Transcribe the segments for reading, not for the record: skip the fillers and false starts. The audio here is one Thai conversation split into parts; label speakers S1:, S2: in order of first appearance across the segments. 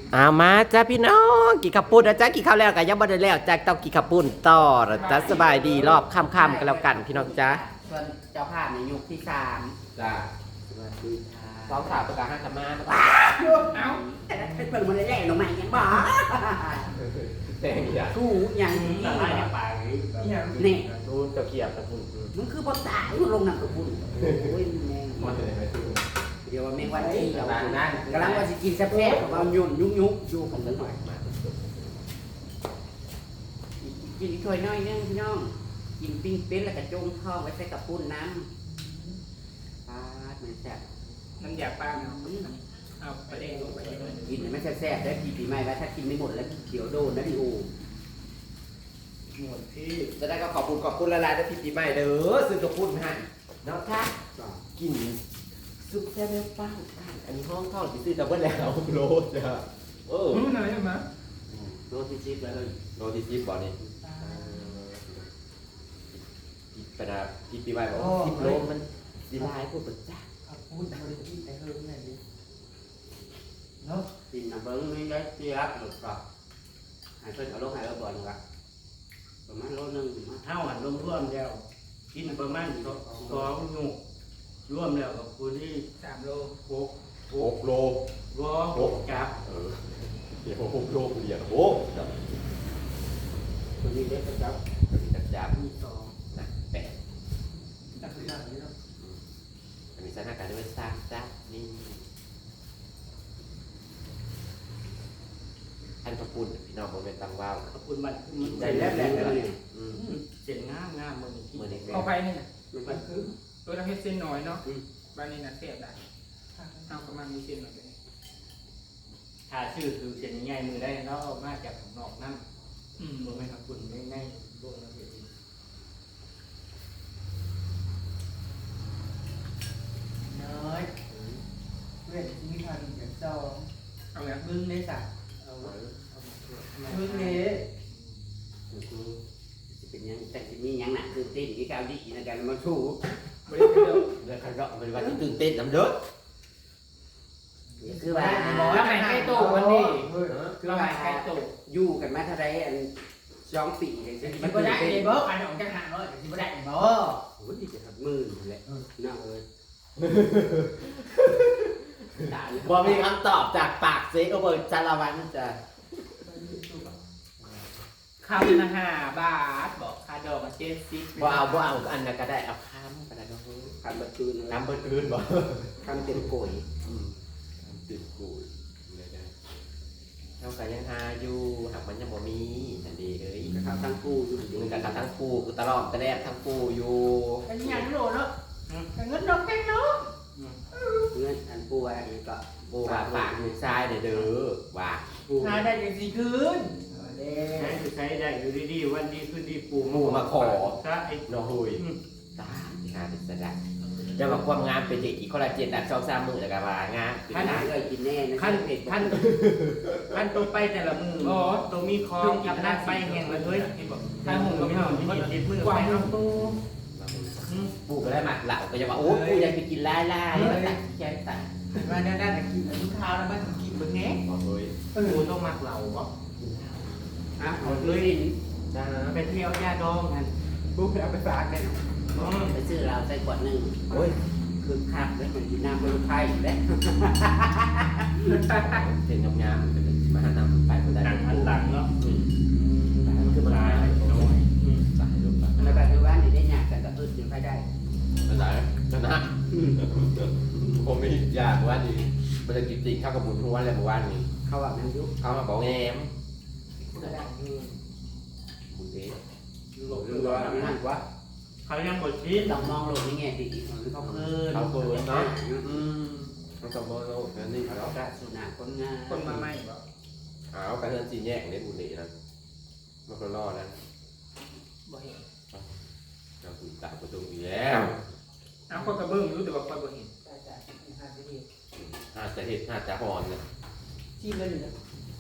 S1: เอามาจ้าพี่น้องกี่ขับปุ่นนะจ้ากี่ข้าวแล้วกันยังบ่ได้แล้วจ้าต้องกี่ขับปุ่นต่อนะจ้าสบายดีรอบค่ำๆกันแล้วกันพี่น้องจ้า
S2: ส่วนเจ้าภาพในยุคที่3
S1: จ้า
S2: สวัสดีค่ะ
S1: สองสาวประกาศห้าธรรมะ
S2: เอ้าแต่เป็นเปิดมาแรกๆลงมายังบ้า
S1: แต่งอย่า
S2: กูอย่างนี้
S3: แต่ไล่ปากนี้
S2: นี่
S1: ดูเจ้าเกียบกับคุณ
S2: มึงคือบ่ตายมึงลงน้ำกับบุญโอ้ยแม่ง
S1: มันจะได้ไหมคุณ
S2: เดี๋ยวว่าแม่งวันที่เรา
S1: ต่างนั่น
S2: กำลังว่าสิกินแซ่บๆกับเอายุ่นยุกอยู่กันสักหน่อยกินอีกถ้วยน้อยนึงพี่น้องกินปิ้งเป็ดแล้วก็จงท้องไว้ใส่กับปุ้นน้ำปาดมันแซ่บ
S3: น้ำยาป้าเนาะเอาไปเองลงไปเองเลย
S2: กินให้มันแซ่บๆได้ปีใหม่แล้วถ้ากินไม่หมดแล้วเดี๋ยวโดนนะพี่โอ
S3: หมดที่
S1: จะได้ก็ขอบคุณละลายด้วยพี่ปีใหม่เด้อซื้อกระปุ่นให้เนาะค่ะกินซุปแซ่บเป้าอันนี้ห้องทอดที่ซื้อแต่ว่าแล้วโลจ้ะเออ
S3: รู้หน่อยไหม
S2: โรตีจิ๊บเลย
S1: โลที่ซิปบ่อนี่กระดาษพี่ปีใหม่บอกซิปโลมันดีลายพวกปัจจัย
S3: พูดบริกิแต่เฮิร์มเนี่ยดิเนาะ
S2: กินน้ำเบิ้งนี่ได้เจี๊ยบหลุดปากหายเพิ่นเอาลงหายเอาบ่อนละประมาณโลนึง
S3: เท่าหันร่วมแล้วกินประมาณ2 หนุกร่วมแล้วกับคุณที่3 โล
S1: 6 โล
S3: 6จับ
S1: เดี๋ยว6 โลเดียวโอ้
S2: คนนี้เล็กจับ
S1: จับ
S3: มี2
S1: นะแปด
S3: จับได้แล้ว
S1: อันนี้สถานการณ์ที่ว่าสร้างจ้านี่อันกระปุ่นพี่น้องโมเมนตังว้าว
S3: ขอบคุณมัน
S2: ได้แล้วแล้วนี่
S3: เสียงงามมือ
S1: มือนี้
S3: เอาไปนี่
S2: มันคือ
S3: ตัวเราเฮ็ดเส้นน้อยเนาะบ้านนี้นะเสียบได้เอาประมาณมีเส้นหน่อยเลยถ้าชื่อคือเส้นง่ายมือได้เนาะมาจากของนอกนั่นมือไม่ขอบคุณง่ายๆลงแล้วเห็น
S4: น้อยเพื่อนที่มีพันอย่างเจ้า
S3: เอาแบบ
S4: มึงในสัตว์
S3: เอา
S4: มึงเนี่ย
S2: คือเป็นยังแต่ที่นี่ยังหนักตื่นเต้นที่ก้าวดีในการมาสู้
S3: บริการ
S1: เรื่องขันเราเป็นวันที่ตื่นเต้นน้ำเด้อ
S2: คือว่า
S3: แล้วไหนใกล้ตู้วันนี้เราไหนใกล้ตู้
S2: อยู่กันมาเท่าไรอัน2 ปีเลยใช่ไหม
S4: มันก็ได้ในเบิร์กอันของจังหันเลยมันก็ได้ในเบิร์ก
S2: โอ้ยจะทับมือแหละน่าเอ้ย
S1: บ่มีคำตอบจากปากเซโอเบอร์จารวันจะ
S3: คำนะ5 บาทบอกค่าดอกมา70
S1: บ่เอาอันนั้นก็ได้เอาค้ำก็ได้เนาะ
S2: คำบัดคืน
S1: ค้ำเบิดคืนบ่
S2: คำเต็มโกย
S1: ค้ำติดกูเลยได้เท่ากับยังหาอยู่หากมันยังบ่มีอันดีเลย
S2: นะครับทั้งกู้อยู่
S1: มึงกับทั้งกูกูตลอดแต่แรกทั้งกูอยู่
S4: เป็นยังโลเนาะแต่เงินดอกแค่เนาะ
S2: เงินอันกู้อันนี้ก็
S1: กูว่าปากลูกชายเด้อว่า
S4: หาได้ยังสี่คืน
S3: ใช้ใช้ได้อยู่ดีๆวันดีขึ้นดีปู
S1: หมู่มาขอ
S3: ถ้าไอ้
S1: น้องหุยตาที่หาเป็นสดาจะมาความงามเป็นเด็กอีกคนละ7 อัน2-3 มื้อแล้วก็ว่างาม
S2: ท่านเคยกินแน่นะ
S3: ขั้น
S2: เผ็ด
S3: ขั้นตัวไปแต่ละมืออ๋อตัวมีคองกับนั่นไปแห่งเลยเฮ้ยถ้าหุ่นก็ไม่ห่างที่ติดมือกว่าเอาตัว
S1: ปูก็ได้หมักเหล่าก็จะว่าโอ้กูอยากไปกินไล่มาตัดแขนตัด
S4: มาได้ได้แต่กินทุกข้าวแล้วมันกินมึงเนี้ย
S1: เฮ้ย
S3: ปูต้องมักเหล่าบ่
S2: อ่ะเอาเลย
S1: จ้า
S3: ไปเที่ยวยาดองกัน
S4: ปุ๊บเอาไปฝากเลย
S2: ไปซื้อเราใส่ขวดหนึ่ง
S1: โอ้ย
S2: คือคักแล้วมันกินน้ำเป็นไข่แล้ว
S1: เป็นงามๆเป็นมาหานำไปคนได้
S3: ต่างอันต่างเนาะ
S1: มันคือมัน
S3: ตาย
S1: ตาย
S3: น้อย
S1: ตายลงไป
S2: ในปัจจุบันนี่ได้ยากแต่ก็อึดอยู่ไปได้
S1: มันตายชนะผมไม่อยากว่าดีมันจะกินจริงข้าวกับบุญทุกวันเลยเมื่อวานนี้
S2: เขาว่ามันยุบ
S1: เขามาบอกแงม
S4: ก็ได้
S1: บุญเอ๊ะ
S2: หลบร้อนนั่นวะ
S3: เขายังบดชีส
S2: ต้องมองโลกในแง่ดีเขาคืน
S1: เขาเกินเนาะมันต้องมองโลกนั่นนี่
S2: เขา
S1: เขา
S2: กระสุนาคนงาน
S3: คนมาใหม่บ่
S1: เอากระเทือนจีแยกในบุญเอ๊ะนะมันก็รอดนะ
S3: บ่เห็น
S1: เราคุยตามประตูอีกแล้ว
S3: เอาคนกระเบื้องรู้แต่ว่าคนบ่เห็น
S4: ได้จ้ะหาจะดี
S1: น่าจะเห็ดน่าจะหอนนะ
S4: ที่มันเนี่ย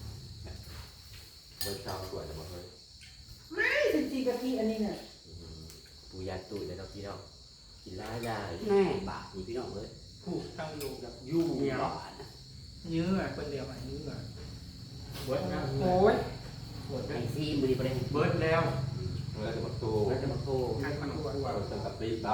S1: เบิร์ดเช้าสวยแต่บอกเฮ้ย
S4: ไม่เป็นจีกะทิอันนี้เนี่ย
S1: ปูยาตุยแล้วเราพี่น้องกินร้ายได้
S2: แน่บาปนี่พี่น้องเลย
S3: ผูกทั้งลูกแบบ
S2: ยู่บาป
S3: เนื้อคนเดียวอ่ะเนื้อเบิร์ดแล้ว
S4: โอ้ย
S2: ไอซีมือประเด็น
S3: เบิร์ดแล้ว
S1: แล้วจะมาตู
S2: เราจะมาโทร
S3: ใครมันกลัว
S1: เราจะกับปีเต้า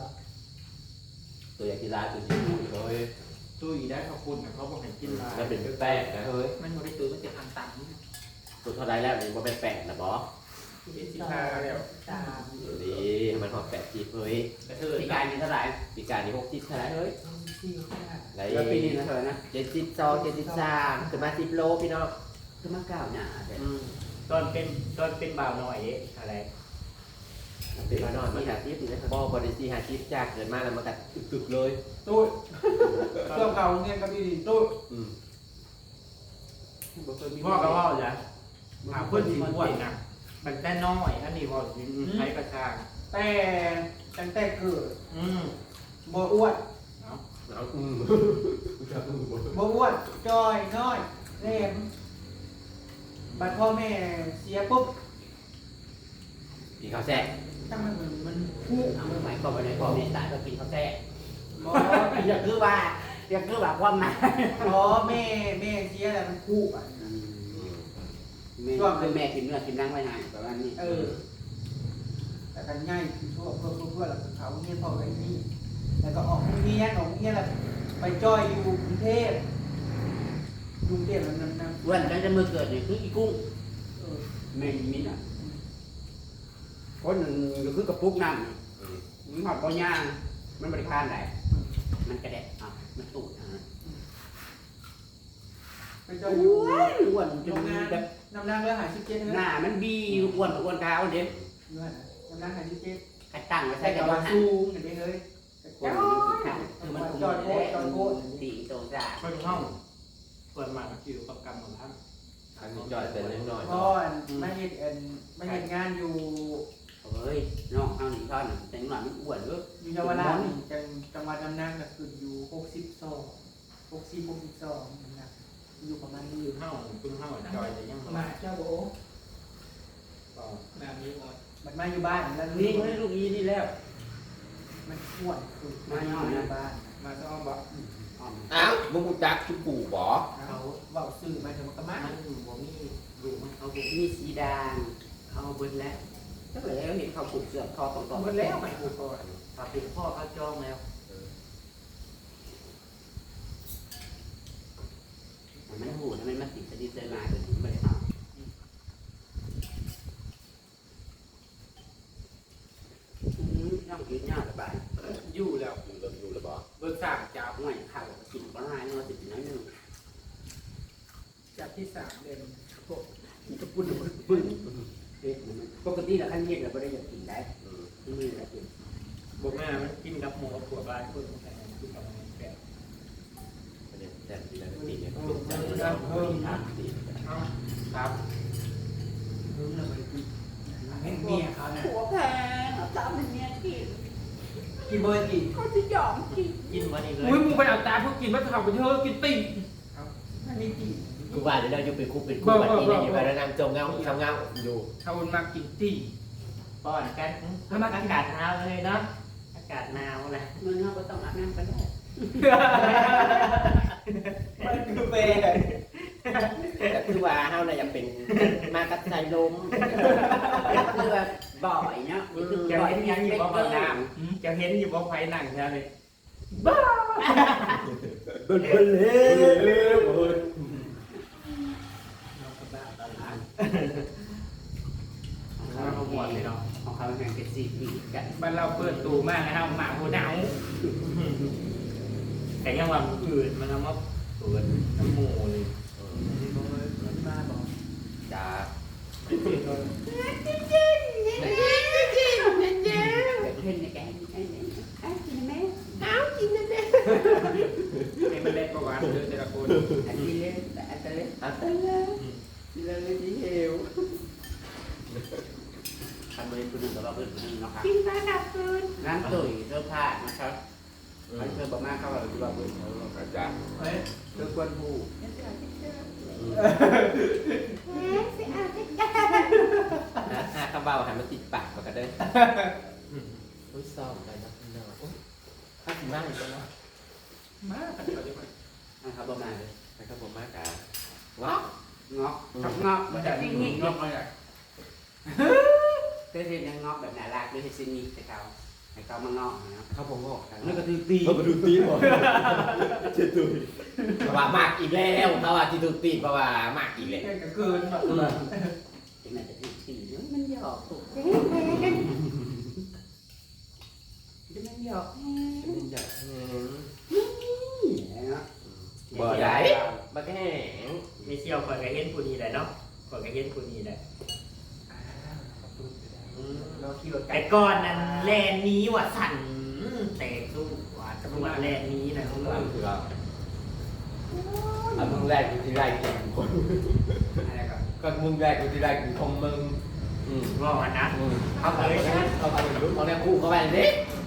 S1: ตัวอยากกินร้านตัวชิ้นเลย
S3: ตู้อีได้ขอบคุณนะเขาบอกให้กินลาย
S1: แล้วเป็นแป้งนะเฮ้ย
S3: มันไม่ได้ตู้มันจะทำตังค์
S1: ตัวเท่าไรแล้วนี่ว่าเป็นแป้งนะบอส
S3: เป็นสินค้าแล้ว
S4: ตาม
S1: ดีให้มันหอม80เฮ้ย
S3: กระเทย
S2: ปีการนี้เท่าไหร่
S1: ปีการนี้60เท่าไหร่เฮ้ย
S4: ที่ข้างหน้า
S1: ไร
S2: แล้วปีนี้เท่าไหร่นะ
S1: 72 73ขึ้นมา10โลพี่น้อง
S2: คือมาเก้าหน้า
S3: ตอนเป็นบ่าวหน่อยเอ๊ะอะไร
S1: เป็นมานอน
S2: มี
S1: มา
S2: หา
S1: กัด
S2: ที่ปีแล้ว
S1: บ่บริษีหาชิปจากเกินมาแล้วมากัดตึกๆเลย
S4: ตู้เครื่องเก่าเงี้ยกับอีดีตู้
S1: อืม
S3: พ่อก็ว่าจะหาเพื่อนสิบวดนะมันแต่น้อยอันนี้ว่าใช้กระชาก
S4: แต่ตั้งแต่เกิด
S3: บ่
S4: บ่อ้วน
S3: เนาะ
S1: เอา
S4: บ่อ้วนจอยน้อยแหลมบัดพ่อแม่เสียปุ๊บ
S1: กินข้าวแซ่
S4: ตั้งมันคู่
S2: เอาหมายความว่าในพ่อแม่ตายก็กินข้าวแท้
S4: บ่
S2: อยากคือว่าความหมาย
S4: อ๋อแม่เสียแล้วมันคู่อ่ะ
S2: ช่วงคือแม่กินเนื้อกินนั่งไว้นานประมาณนี้
S4: แต่กันง่ายทั่วเพื่อแล้วเขาเงี้ยพอไว้นี่แล้วก็ออกเงี้ยแล้วไปจอยอยู่กรุงเทพนั้น
S2: วันนั้นจะมือเกิดเนี่ยคืออีกุ้งแม่มิ้นอ่ะคนก็คือกระปุกน้ำมันหอดปอย่างมันบริการไหนมันกระเด็ดอ่ะมันตูด
S4: ไปจอยอยู่
S2: อ้วนจ
S4: โร
S2: น
S4: งงาน
S2: แบบ
S4: น้ำนางเรือหาชิเก้
S2: หน้ามันบีอ้วนเท้าเด็ก
S4: น้ำนางหาชิเก้
S2: กระตั้งไว้
S4: ใส่
S2: ใส่
S4: กั
S2: กั
S4: บบ ว่า
S2: ว่า
S4: สูงอย่างนี้เลย
S2: คือมันตีโตจ้า
S3: เพื่อนห้องเปิดมาคิวกับกรรมของท่าน
S1: อันนี้จอยเป็นเล็กน้อย
S4: พ่อไม่เห็นงานอยู่
S2: เฮ้ยน้องเฮาหนีท่อนแต่หน่อยมันอ้วนเลย
S4: อยู่เยาวราชจังหวัดน้ำนางก็คืออยู่62อยู่ประมาณนี้
S3: คือห้องคือห้องจอยจะยัง
S4: มาเจ้าโบ
S3: ก็แบบนี้หมด
S4: มันมาอยู่บ้านแล้ว
S2: นี่เขาได้ลูกอีนี่แล้ว
S4: มันอ้วนคือมาอยู่บ้าน
S3: มาจะอ้อมบอก
S1: อ้าวมึงกูจักชุบปู่บอ
S4: เขาบอกสื่อมาถึงกระมัด
S3: มันบ่มีดูมันเขาบ่
S2: มีสีดางเขาเบิ้ลแล้วถ้าเกิดเราเห็นเขาผูกเสือคอตรงๆ
S4: หมดแล้วไปกูก่อน
S3: ถ้าเป็นพ่อเขาจองแล้ว
S2: มันหูนะมันมาติดสนิทใจมาจนถึงไม่ได้ทำน้องกินยากสบาย
S3: อยู่แล้ว
S1: อยู่แล้วบอ
S3: เบิกสามจับ
S2: หน่อยข้าวกินก็ง่ายนอนติดน้อยนึง
S4: จับที่3 เดือน
S2: จะปุ่นปึ้งปกติเราขั้นเย็นเราไม่ได้อยากกินได้ที่นี่เรากิน
S3: บอกแม่มันกินกับหมูกับถั่วบ้านคนแต่กินกับมันแบบ
S1: มันเนี่ยแต่ทีละตีเนี่ยเป็นจังเลยทางตี
S3: เอาครับ
S4: เห็นเมียเขาเนี่ย
S2: หัวแพงเอาตามเป็นเมียกิน
S4: กินเบอร์กี่
S2: เขาจะยอมกิน
S3: กินวันนี้เลย
S5: อุ้ยมึงไปเอาตาพวกกินมะขามไปเถอะกินติ่ง
S4: มันมีกี่
S1: กูว่าเดี๋ยวเราอยู่เป็นคู่แบบนี้เนี่ยอยู่ไปแล้วนางจงเงาทำเงาอยู่
S5: เขาวนมากินติ่ง
S3: ป้อนกันอากาศหนาวเลยเนาะอากาศหนาวแหละ
S2: มันเราก็ต้องอาบน้ำก็ได้
S4: มันคือเบร์
S1: แต่คือว่าเฮาน่ะยังเป็นมากัดใจลม
S2: คือแบบบ่อยเนาะ
S3: จะเห็นยังอยู่บ่บ่น้ำจะเห็นอยู่บ่ไฟหนังใช่ไหม
S1: เบิ่นเลยโอ้ย
S3: เราก็บ้าตลาดเราหมดเลยเนาะ
S2: ของเขาแข่งกันสี่ปีกัน
S5: บ้านเราเปิดตูมากนะครับหมาหัวหนาว
S3: แต่ยังว่าอื่นมันเอามาเปิดน้ำหมูเลย
S4: มันมาบอก
S1: จ้า
S2: เล่นในแกงกินไหม
S5: ในมันเล่นประวัติเลยแต่ละคน
S2: อันนี้เล่นแต่อันนี้
S1: อันนั้นเลยที่เฮล
S2: ทำเลยคุณหนึ่งกับเราเป็นคนหนึ่งเนาะครับกินมาดับคืนน้ำตุ๋ยเสื้อผ้านะครับไปเชิญบอกมาเข้าเราดูว่าเป็น
S1: จ้า
S4: เฮ้ย
S2: เสื้อควนผู้
S1: ข้าวเบาหันมาติดปากมากันได้อุ้ยซ้อมไปนะพี่น้องข้าวสีมากอีกแล้วเนาะ
S5: มาขัดเขาดีกว่า
S2: นะครับประมาณเลย
S1: ไปข้าวผมมากอ่ะว้าว
S2: งอกทับงอกมันจะยิ่งยิ่ง
S5: ยกเลยอ่ะ
S2: เต้นยังงอกแบบน่ารักด้วยให้ซินี่ให้เขามางอกนะ
S1: เขาผมงอก
S2: นั่นก็คือตี
S1: เขามาดูตีนหมดเจ็ดตุยเพราะว่ามากอีกแล้วเพราะว่าที่ดูตีนเพราะว่ามากอีกแล้ว
S4: แค่เกินแบบ
S2: ที่นั่นจะตีมันหยอกมันหยอก
S1: บ่ได้บ่แห้ง
S3: ไม่เชี่ยวคอยก็เห็นผู้นี้แหละเนาะคอยก็เห็นผู้นี้แหละ
S4: เราขี่รถไกล
S3: แต่ก่อนนั้นแลนนี้ว่าสั่นแต่สู้ว่าตำรวจแลนนี้นะ
S1: ข้างหลังคือเราอันมึงแรกกูที่แรกกินคน
S2: อะไรก็
S1: ก็มึงแรกกูที่แรกกินของมึง
S3: ว่าวันนั้น
S1: เอาไปเอาไปรุ่นของแรกคู่เข้าไปดิ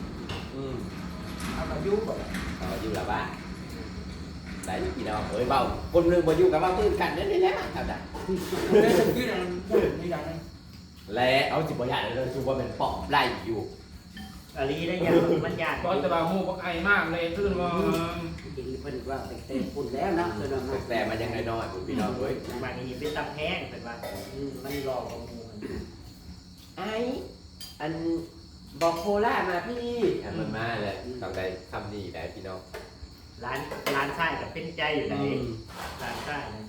S4: เอามายุ่งแบบ
S1: อยู่ละบ้านได้กี่ดอกเอ้ยเบาคนนึงมาอยู่กับเบาตื่นกันนั่นนี่แหละเอาจ้ะ
S4: ได้ถึงที่นั่นพูดนี่ดังนั้น
S1: แล้วเอาจิบอยากเลยคือว่าเป็นปอบไล่อยู่
S3: อาลีได้ยังมันยาก
S5: เพราะจะบาหมูพวกไอมากเลยขึ้นมา
S2: กินเพิ่นว่าเต็มปุ่นแล้วนะเพิ่นว่า
S1: แต่มันยังไงน้อยพี่น้องเว้ย
S3: บางทีเป็นตับแห้งเป็นว่ามันรอกมูมัน
S1: ไอ้อันบอกโคล่ามาพี่มันมาเลยต้องได้คำนี้ได้พี่น้อง
S3: ร้านไส้กับเป็นใจอยู่ไหนร้านไส้นะ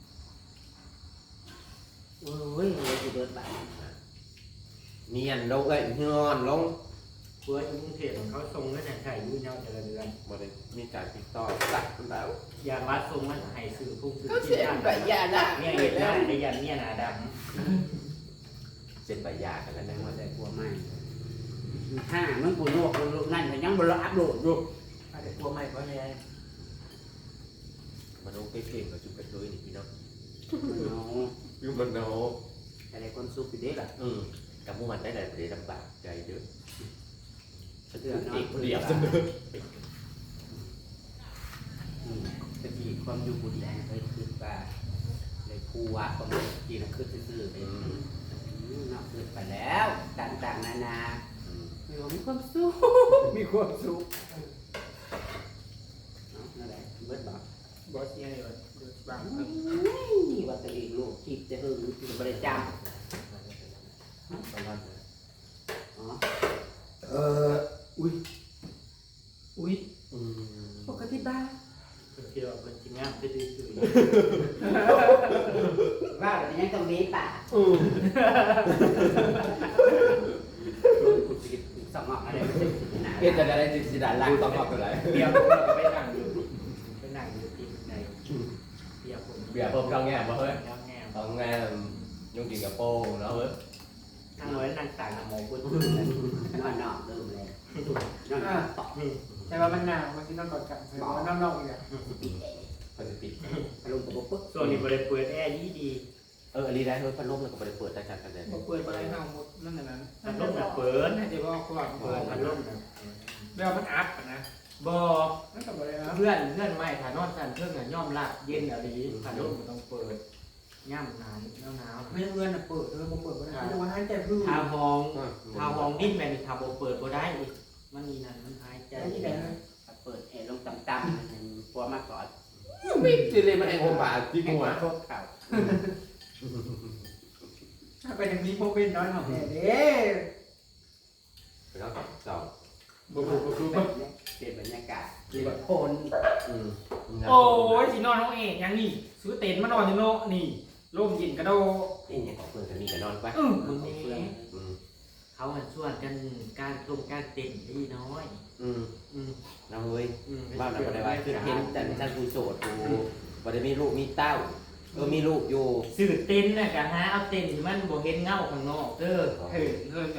S2: โอ้ยเลยสิเบิดบาด
S1: เนียนลงเลยงอนลง
S3: เพื่อนกรุงเทพของเขาทรงนั่นแหละใช่ยุ่ยเน่าเจริญเดือน
S1: บ่ได้มีการติดต่อสักแล้ว
S3: ยางวัดทรงมันให้สื่อพุ่งสื่อ
S1: ก็เสียใบยาละ
S3: เนี่ยเห็นได้ในยันเนี่ยนาด
S1: เซ็นใบยากันแล้ว
S2: แต่
S1: นะ
S2: ว่าได้กลัวไหมมึงกูลวกนั่นแต่ยังบ่ละอัพโหลดอยู่
S4: อาจจะกลัวใหม่เพราะไง
S1: มันโอเคเก่งกับจุกกระตุ้ยนี่พี่น้อง
S2: เนาะ
S1: อยู่มันโน
S2: อะไรคนซุปอยู่เด้ล่ะ
S1: กับพวกมันได้แต่เดี๋ยวลำบากใจเยอะฉัน
S2: เดื
S1: เดื
S2: อ
S1: อ
S2: ด
S1: ด
S2: เนาะ
S1: เอกเดียวเสมอ
S2: ตะกี้ความอยู่บุรีเคยคิดว่าเลยผู้ว่าประมาณกี่ละคือซื่อๆเลยเนาะคือไปแล้วต่างๆนานามีความสุขมีความสุขนั่นแหละเบิดบอก
S5: บอสเนี่ยเลยบาง
S2: นี่ว่าตัวเองลูกคิดจะหึงคือบริจาคอ๋อ
S4: อุ้ย
S2: ปกติบ้า
S3: ำที่เราเป็นจริงงามที่ดีสุด
S2: ว่าแบบนี้ต้องมีป่ะสมองอะไร
S1: เอ็ดจะได้จิตดาลักต้องบอกอะไร
S3: เบียร์ผมก็ไปนั่งอยู่ที่ในเบียร์ผม
S1: เบียร์เพิ่มข้าวแง่มาเฮ้ย
S3: แล้วแง่
S1: ข้าวแง่ยุ่งกินกับโป้เนาะเฮ้ย
S3: นั่งไว้นั่งต่างหมอพูด
S2: นอนนอนลืมเลยนอนต่อ
S4: แต่ว่ามันหนาวมันที่นอนกอดกันมันนอกๆอีกอ่ะ
S1: เขาจะปิด
S2: ลงกับปุ๊บ
S3: ส่วนนี้บริเปิดแอร์ดี
S1: อันนี้ได้เฮ้ยพัดลมแล้วก็ไม่ได้เปิดได้กันเลย
S5: เปิดไปให้เอาหมดนั่นน่ะนั้น
S3: พัดลมน่ะเปิด
S5: น่าจะบอกก่อน
S3: เปิดพัดลมน่ะ
S5: แล้วมันอัพนะ
S3: บอก
S4: นั่นกับอะไรนะ
S3: เพื่อนใหม่ถ่านอนกันเพื่อนน่ะย่อมรับเย็นอะไรพัดลมมันต้องเปิดย่ำหนาวหนาว
S4: ไม่เงินอ่ะเปิดผมเปิดไม่ได้แต่ว่าให้ใจพื้น
S3: ทาห้องดิ้นแมนทาโบเปิดก็ได้อีกมันมีนั่นมันหายใจ
S4: ที่ไหนนะ
S2: เปิดแอร์ลงต่ำๆปัวมากก่อน
S1: ไม่จิเลยมันเองผมบาดที่หัว
S2: ทบเข่า
S4: ถ้าเป็นอย่างนี้โมเป็นน้อยหน่อยเด้
S1: แล้วก็สอง
S2: เปลี่ยนบรรยากาศเปลี่ยนคน
S5: โอ้ยสินอนน้องเอกยังนี่ซื้อเต็นท์มานอนอยู่โน่นี่ร่มเย็นกระโด
S1: นี่ไงของเพื่อนกันนี่กันนอนไป
S3: มึงนี่เขาชวนกันการตรงการเต้นที่น้อย
S1: เราเฮ้ยบ้านเราก็ได้ว่าคือเห็นแต่ฉันกูโสดกูบ่ได้มีลูกมีเต้ามีลูกอยู่
S3: สื่อเต้นน่ะกันฮะเอาเต้นมันบ่เห็นเงาข้างนอกเด้อ
S5: เฮ้ยเริ่มจะ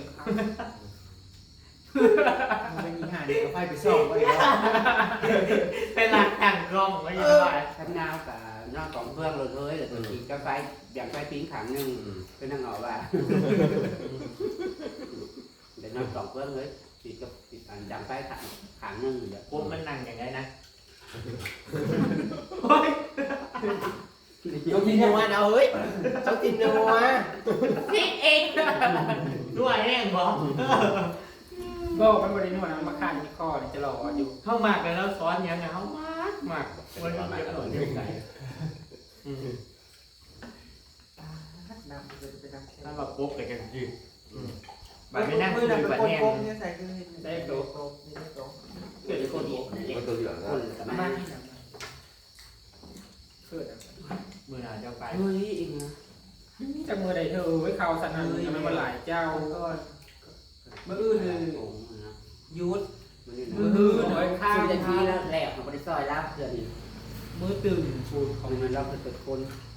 S4: มันเป็นอีห่าเนี่ยไฟไปซ่อมไว้แล้ว
S3: เป็นหลักตั้งกล้องไว้ยังไง
S2: ข้างหน้ากับนอกของเพื่อนเลยเลยแต่ทีก็ไฟอย่างไฟปิ้งขังนึงเป็นนั่งเอาว่าแต่นอกของเพื่อนเลยทีก็อย่างไฟขังนึงเดี๋ยว
S3: พวกมันนั่งอย่างไรนะ
S1: เขากินนัวเอาเฮ้ยเขากินนัว
S3: พี่เองด้วยแน่บอก
S5: ก็มันบริโนวดนะมาฆ่าที่คอจะหล่ออยู่
S3: เข้ามากแล้วซ้อนยังไงเขามากวันนี้จะหล่นยังไง
S2: นั่ง
S4: มื
S2: คุ
S4: อย นั่น
S2: แบบ
S4: เป็น
S2: แห้
S4: กล
S2: ง
S4: มเนี่ยใส่คือเห็น
S5: ได้โต๊ะ
S4: นี่ได้โต๊ะ
S5: เกิดคนโต
S1: ก็ตัวเหลือง
S2: ค
S1: นะ
S2: นกับ
S5: มา
S2: มา
S5: ที่ไหนเกิด
S3: มือหนาเจ้าไป
S2: เฮ้ยอีกนะ
S5: จากมือใดเธอไว้ข่าวสันนันยังไม่มาหลายเจ้า
S4: เอาก่อนมื้ออื่นเลยยุด
S2: มือหน่อยข้าวจะทีแล้วแหลกของบริษัทรับเกิน
S5: มือตื่น
S2: ปูนของมันรับเป็นคน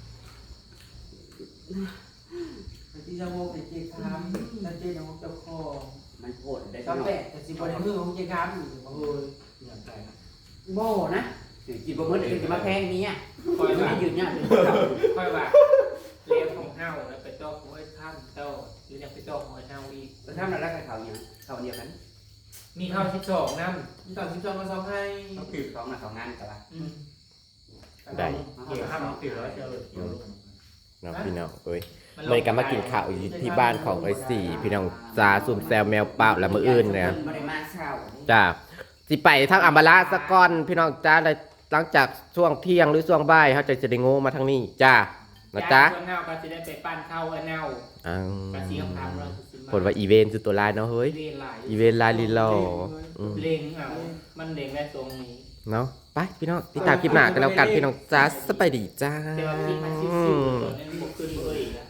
S4: ที่จะโมกเจ๊คามนั่นเจ๊น้องเจ้าคอ
S2: มันโหดได้
S4: ก็แปะแต่สิบวันมือของเจ๊คามอยู่เออ
S3: อย่างไร
S2: โม่นะกินบะหมี่กินมาแพงนี้
S5: คอยว่า
S2: ไม่หยุดเนี่ย
S5: ค่อยว่าเลี้ยงของเฮาแล้วไปจอกของไอ้ท่านเจ้าหรือยังไปจอกของไอ้เฮาอีก
S2: แล้วถ้าเราได้เขาเนี่ยเขาเดียวกัน
S5: มีข้าว12น้ำ
S4: มีตอน12มา2ให้
S2: เขาคือสองนะสองงานกันละ
S1: ได้
S3: เกี่ยวข้าวมันตื่นแล้วเจ้าเกี่ยวลง
S1: เนาะพี่น้องเอ้ยเลยก็มากินข้าวอยู่ที่บ้านของไอ้สี่พี่น้องจ้าซุ่มแซวแมวเปล่าและมื้ออื่นเนี่ย
S2: ไม่ได้มาเช้า
S1: จ้าสิไปทางอัมบาลาสะก่อนพี่น้องจ้าเลยหลังจากช่วงเที่ยงหรือช่วงบ่ายเขาจะได้โง่มาทางนี้จ้านะจ๊ะ
S5: ส่วนเฮาก็จะได้ไปปั้นข้าวไอ้เน่า
S1: อ้าว
S5: กระเทียมพามเรา
S1: ผลว่าอีเวนต์คือตัวลายเนาะเฮ้ย
S5: เล่นหลาย
S1: อีเวนต์ลายลีโลอืม
S5: เล่งเอามันเล่งได้ตรงนี้
S1: เนาะไปพี่น้องติดตามคลิปหน้ากันแล้วกันพี่น้องจ้าสบายดีจ้า
S5: แต่ว่าพี่มันซิ่วๆตัวนี้บวกขึ้นเลยนะ